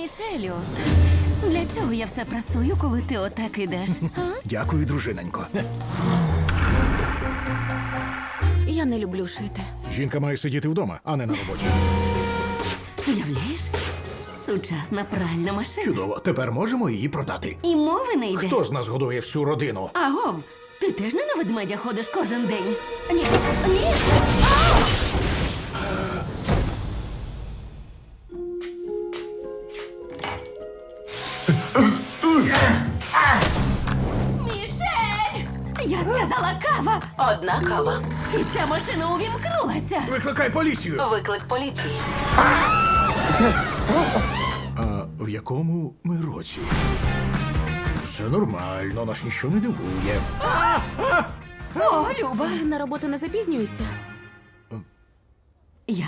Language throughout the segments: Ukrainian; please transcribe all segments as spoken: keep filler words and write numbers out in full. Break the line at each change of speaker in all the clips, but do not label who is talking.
Мішелю, для чого я все прасую, коли ти отак ідеш? А?
Дякую, дружиненько.
Я не люблю шити.
Жінка має сидіти вдома, а не на роботі.
Уявляєш? Сучасна пральна машина.
Чудово, тепер можемо її продати.
І мови не йде.
Хто з нас годує всю родину?
Агов, ти теж не на ведмедя ходиш кожен день? Ні, ні. Мішель! Я сказала кава!
Одна кава.
І ця машина увімкнулася.
Викликай поліцію!
Виклик поліції.
А в якому ми році? Все нормально, нас ніщо не дивує.
О, Люба.
На роботу не запізнююся.
Я?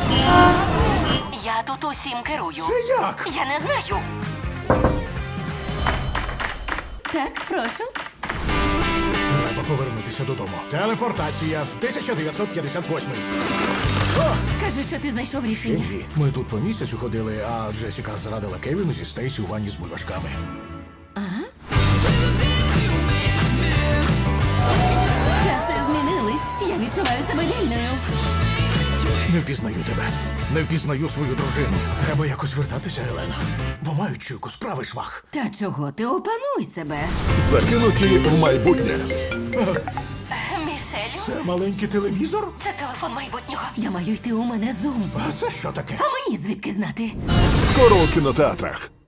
Я тут усім керую.
Це як?
Я не знаю.
Так, прошу.
Треба повернутися додому. Телепортація тисяча дев'ятсот п'ятдесят восьмий.
Скажи, що ти знайшов рішення.
Ні, ми тут по місяцю ходили, а Джесіка зрадила Кевіну зі Стейсі у ванні з бульбашками.
Часи змінились. Я відчуваю себе вільною.
Не впізнаю тебе. Не впізнаю свою дружину. Треба якось вертатися, Елена. Бо маю чуйку, справи швах.
Та чого ти опануй себе?
Закинуті в майбутнє.
Мішелю,
Це маленький телевізор?
це телефон майбутнього.
Я маю йти, у мене зум.
А це що таке?
А мені звідки знати?
Скоро у кінотеатрах.